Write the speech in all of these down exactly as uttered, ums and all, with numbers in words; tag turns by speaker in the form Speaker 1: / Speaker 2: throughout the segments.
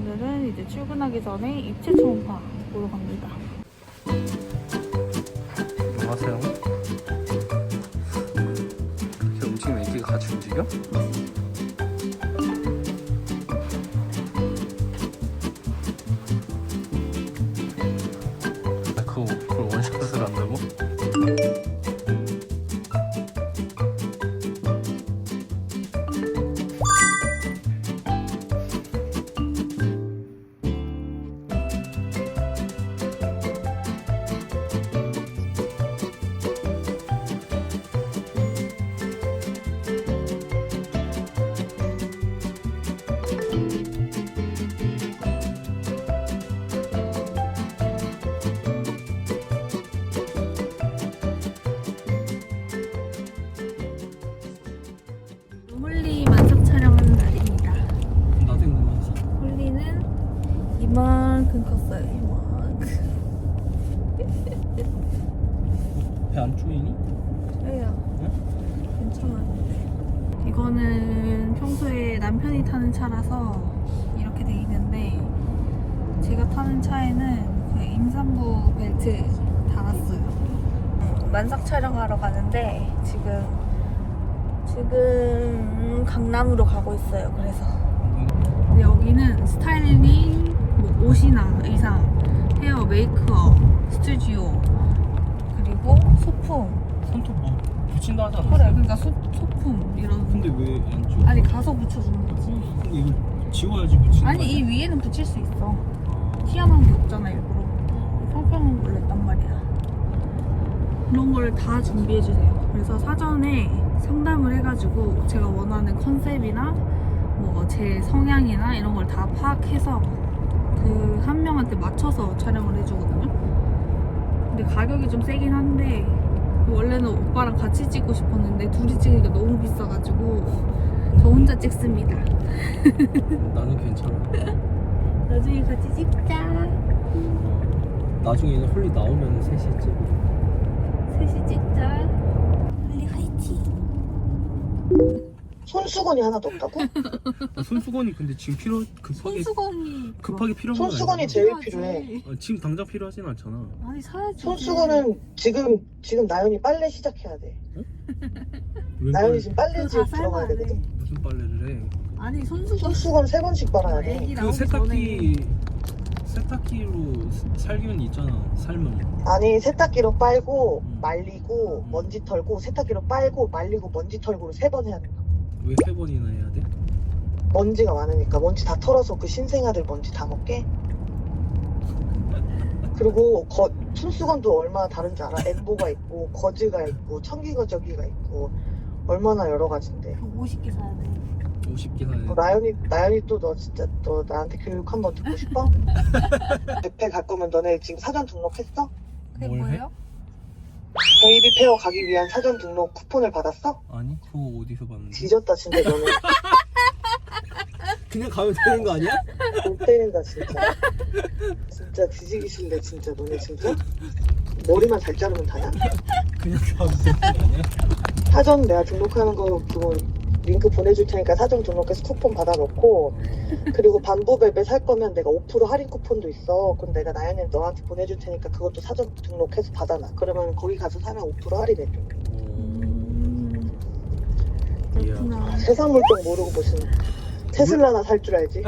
Speaker 1: 오늘은 이제 출근하기 전에 입체 초음파 보러 갑니다.
Speaker 2: 안녕하세요. 이렇게 움직이면 애기가 같이 움직여? 아, 그거, 그걸 원샷을 한다고?
Speaker 1: 홀리 만삭 촬영하는 날입니다.
Speaker 2: 나도 궁금하지.
Speaker 1: 홀리는 이만큼 컸어요. 이만큼.
Speaker 2: 배 안 쪼이니?
Speaker 1: 그래요. 괜찮았는데. 이거는 평소에 남편이 타는 차라서 이렇게 돼 있는데, 제가 타는 차에는 그 임산부 벨트 달았어요. 만삭 촬영하러 가는데 지금 지금 강남으로 가고 있어요. 그래서 근데 여기는 스타일링, 뭐 옷이나 의상, 헤어, 메이크업, 스튜디오, 그리고 소품.
Speaker 2: 손톱 뭐 붙인다 하지 않았어?
Speaker 1: 그래, 그러니까 소, 소품 이런.
Speaker 2: 근데 왜 안 쪼여?
Speaker 1: 아니 가서 붙여주는 거지.
Speaker 2: 근데 이걸 지워야지 붙이는
Speaker 1: 아니 이 위에는 붙일 수 있어. 튀어나온 게 없잖아 일부러. 평평한 걸로 했단 말이야. 그런 걸 다 준비해 주세요. 그래서 사전에 상담을 해가지고 제가 원하는 컨셉이나 뭐 제 성향이나 이런 걸 다 파악해서 그 한 명한테 맞춰서 촬영을 해주거든요. 근데 가격이 좀 세긴 한데 원래는 오빠랑 같이 찍고 싶었는데 둘이 찍으니까 너무 비싸가지고 저 혼자 찍습니다.
Speaker 2: 나는 괜찮아.
Speaker 1: 나중에 같이 찍자.
Speaker 2: 나중에 홀리 나오면 셋이 찍고.
Speaker 1: 셋이 찍자. 빨리 화이팅.
Speaker 3: 손수건이 하나도 없다고?
Speaker 2: 아, 손수건이 근데 지금 필요 급하게
Speaker 1: 손수건이
Speaker 2: 급하게 필요한 건
Speaker 3: 손수건이
Speaker 2: 아니잖아.
Speaker 3: 제일
Speaker 1: 필요하지.
Speaker 3: 필요해.
Speaker 2: 아, 지금 당장 필요하진 않잖아.
Speaker 1: 아니 사야지.
Speaker 3: 손수건은 지금 지금 나연이 빨래 시작해야 돼.
Speaker 2: 웬
Speaker 3: 나연이
Speaker 2: 빨래-
Speaker 3: 지금
Speaker 1: 그거
Speaker 3: 빨래집
Speaker 1: 다
Speaker 3: 들어가야
Speaker 1: 삶아야 돼.
Speaker 3: 되거든.
Speaker 2: 무슨 빨래를 해?
Speaker 1: 아니 손수건.
Speaker 3: 손수건 세 번씩 빨아야 돼.
Speaker 1: 애기
Speaker 2: 그
Speaker 1: 나오기
Speaker 2: 세탁기 세탁기로 살균 있잖아. 삶은.
Speaker 3: 아니 세탁기로 빨고
Speaker 2: 음.
Speaker 3: 말리고
Speaker 2: 음.
Speaker 3: 먼지 털고 세탁기로 빨고 말리고 먼지 털고를 세 번 해야 돼.
Speaker 2: 왜 세 번이나 해야 돼?
Speaker 3: 먼지가 많으니까 먼지 다 털어서 그 신생아들 먼지 다 먹게. 그리고 거, 손수건도 얼마나 다른지 알아? 엠보가 있고 거즈가 있고 청기거저기가 있고 얼마나 여러 가지인데.
Speaker 1: 오십 개 사야 돼.
Speaker 2: 오십 개 사야 돼.
Speaker 3: 어, 나연이 나연이 또 너 진짜 너 나한테 교육 한번 듣고 싶어? 뷔페 갈 거면 너네 지금 사전 등록했어?
Speaker 1: 그게
Speaker 2: 뭘 해?
Speaker 1: 뭐예요?
Speaker 3: 베이비 페어 가기 위한 사전 등록 쿠폰을 받았어?
Speaker 2: 아니 그거 어디서 봤는데?
Speaker 3: 뒤졌다 진짜 너는.
Speaker 2: 그냥 가면 되는 거 아니야?
Speaker 3: 못 때린다 진짜. 진짜 뒤지기 싫네 진짜 너네 진짜. 머리만 잘 자르면 다냐?
Speaker 2: 그냥 가면 되는 거 아니야?
Speaker 3: 사전 내가 등록하는 거 그거 링크 보내줄 테니까 사전 등록해서 쿠폰 받아놓고, 그리고 반부베베 살 거면 내가 오 퍼센트 할인 쿠폰도 있어. 그럼 내가 나연이 너한테 보내줄 테니까 그것도 사전 등록해서 받아놔. 그러면 거기 가서 사면 오 퍼센트 할인해줘.
Speaker 1: 음. 그렇구나.
Speaker 3: 세상 물정 모르고 무슨 테슬라나 살 줄 알지.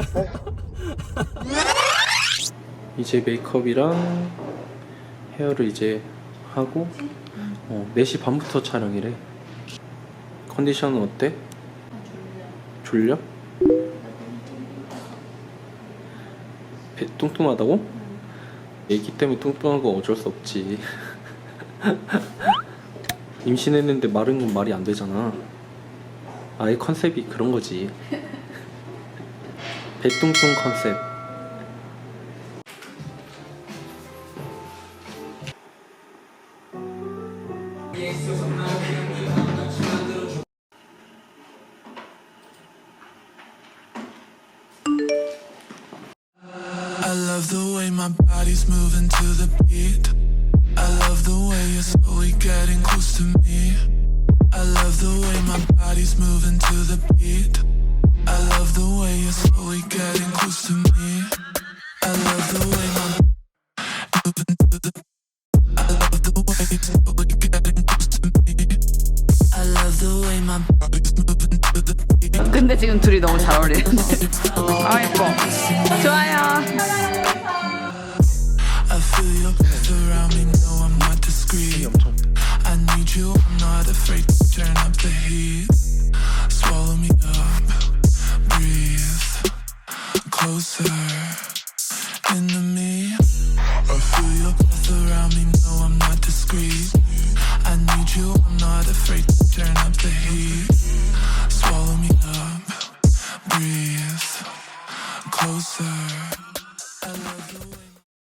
Speaker 2: 이제 메이크업이랑 헤어를 이제 하고 어, 네 시 반부터 촬영이래. 컨디션은 어때? 졸려? 배 뚱뚱하다고? 애기 때문에 뚱뚱한 거 어쩔 수 없지. 임신했는데 마른 건 말이 안 되잖아. 아예 컨셉이 그런 거지. 배뚱뚱 컨셉.
Speaker 4: I love the way my body's moving to the beat. I love the way you're slowly getting close to me. I love the way my body's moving to the beat. I love the way you're slowly getting close to me. into me. I feel your breath around me, no I'm not discreet. I need you, I'm not afraid to turn up the heat. Swallow me up, breathe closer. I love the way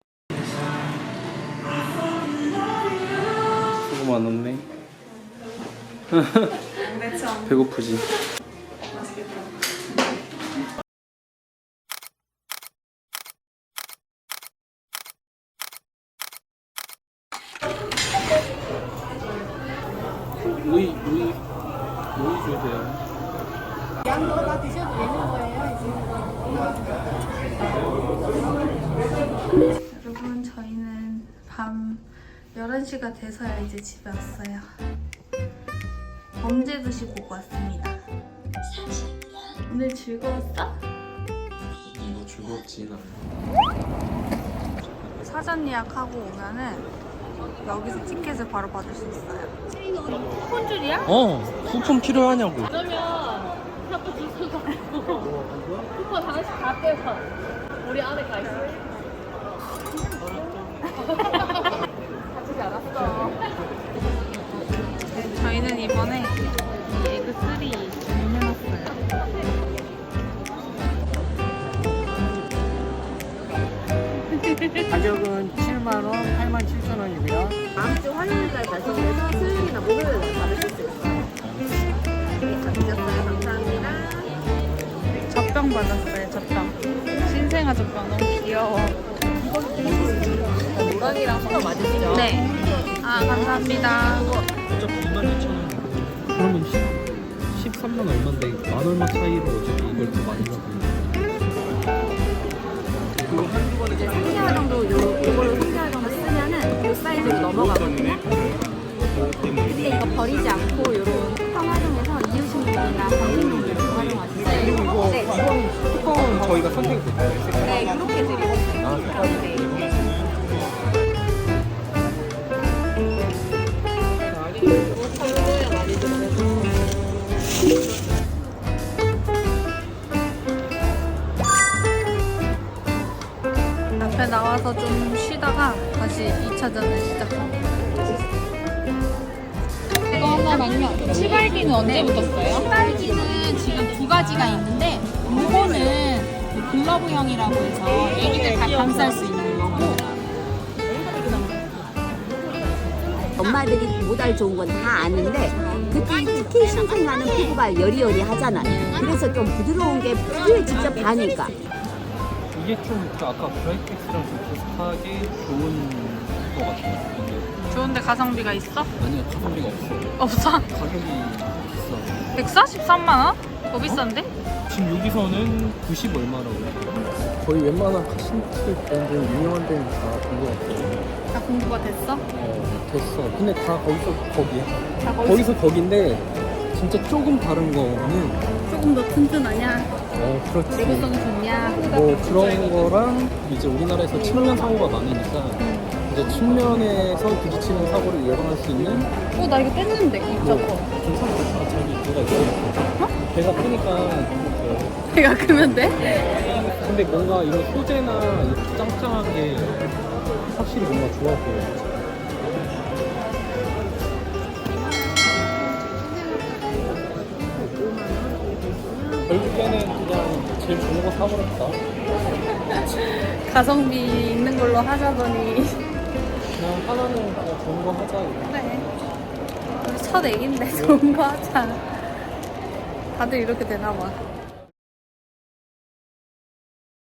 Speaker 2: 수고 많았네.
Speaker 1: 근데 참
Speaker 2: 배고프지?
Speaker 1: 맛있겠다.
Speaker 2: 루이 루이 루이 주세요.
Speaker 1: 여러분 저희는 밤 열한 시가 돼서야 이제 집에 왔어요. 범죄도시 보고 왔습니다. 오늘 즐거웠어?
Speaker 2: 뭐 즐겁지 나.
Speaker 1: 사전 예약하고 오면은 여기서 티켓을 바로 받을 수 있어요. 쿠폰 줄이야?
Speaker 2: 어 쿠폰 필요하냐고.
Speaker 5: 그러면 자꾸 주소 갖고 쿠폰 하나씩 다 떼서 우리 안에 가 있어. 가지지 않았어.
Speaker 1: 저희는 이번에 이 에그 쓰리 주문해놨어요.
Speaker 6: 가격은 칠만 원, 팔만 칠천 원이고요.
Speaker 5: 다음 주 화요일날 발송돼서 수요일이나 목요일날 받으실 수 있어요. 네, 다 드셨어요. 감사합니다.
Speaker 1: 젖병 받았어요. 젖병. 신생아 젖병 너무 귀여워.
Speaker 5: 노랑이랑 소가 맞으시죠?
Speaker 1: 네. 아 감사합니다.
Speaker 2: 어차피 이만 이천 원. 그러면 십삼만 얼마인데 만 얼마 차이로 어차피 이걸 더 많이 받고.
Speaker 5: 이제 삼 개월 정도 요, 요걸로 삼 개월 정도 쓰면은 요 사이즈로 넘어가거든요. 근데 이거 버리지 않고 요런 쿠팡 활용해서 이유식용이나 건강용으로 활용하시면
Speaker 2: 그리고 이거
Speaker 5: 네,
Speaker 2: 쿠폰, 쿠폰 저희가 선택이 됐어요.
Speaker 5: 네, 이렇게 드리고 있어요.
Speaker 2: 아,
Speaker 5: 네.
Speaker 1: 앞에 나와서 좀 쉬다가 다시 이 차전을 시작합니다.
Speaker 7: 이거 하나랑요. 치발기는 언제부터 써요? 치발기는 지금 두 가지가 있는데 이거는 그 글러브형이라고 해서 애기들 다 감쌀 수 있는 거고
Speaker 8: 엄마들이 모달 좋은 건 다 아는데 특히 특히 신생아는 피부가 여리여리하잖아요. 그래서 좀 부드러운 게 피부에 직접 닿으니까.
Speaker 2: 이게 좀그 아까 브라이텍스랑 좀 비슷하게 좋은 것 같아요. 이게.
Speaker 1: 좋은데 가성비가 있어?
Speaker 2: 아니요, 가성비가 없어요.
Speaker 1: 없어?
Speaker 2: 가격이 비싸요.
Speaker 1: 백사십삼만 원? 더 비싼데?
Speaker 2: 지금 여기서는 구십 얼마라고 해요. 거의 웬만한 카신트 브랜드 유명한 데는 다본것 같아요.
Speaker 1: 다 공부가 됐어?
Speaker 2: 어, 됐어. 근데 다 거기서 거기야.
Speaker 1: 다
Speaker 2: 거기서 거긴데 진짜 조금 다른 거는
Speaker 1: 조금 더 튼튼하냐?
Speaker 2: 어 그렇지.
Speaker 1: 내구성이 좋냐?
Speaker 2: 뭐 그런 거랑 이제 우리나라에서 측면 사고가 많으니까 이제 측면에서 부딪히는 사고를 예방할 수 있는
Speaker 1: 어, 나 이거 뺐는데,
Speaker 2: 뭐
Speaker 1: 저거.
Speaker 2: 괜찮겠다. 저기 뭐가 있어. 어? 배가 크니까 어.
Speaker 1: 배가 크면 돼?
Speaker 2: 근데 뭔가 이런 소재나 이렇게 짱짱한 게 확실히 뭔가 좋아 보여. 결국에는 그냥 제일 좋은 거 사버렸다.
Speaker 1: 가성비 있는 걸로 하자더니.
Speaker 2: 그냥 하나는 그냥 좋은 거 하자. 이거.
Speaker 1: 그래. 우리 첫 애기인데 좋은 거 하자. 다들 이렇게 되나 봐.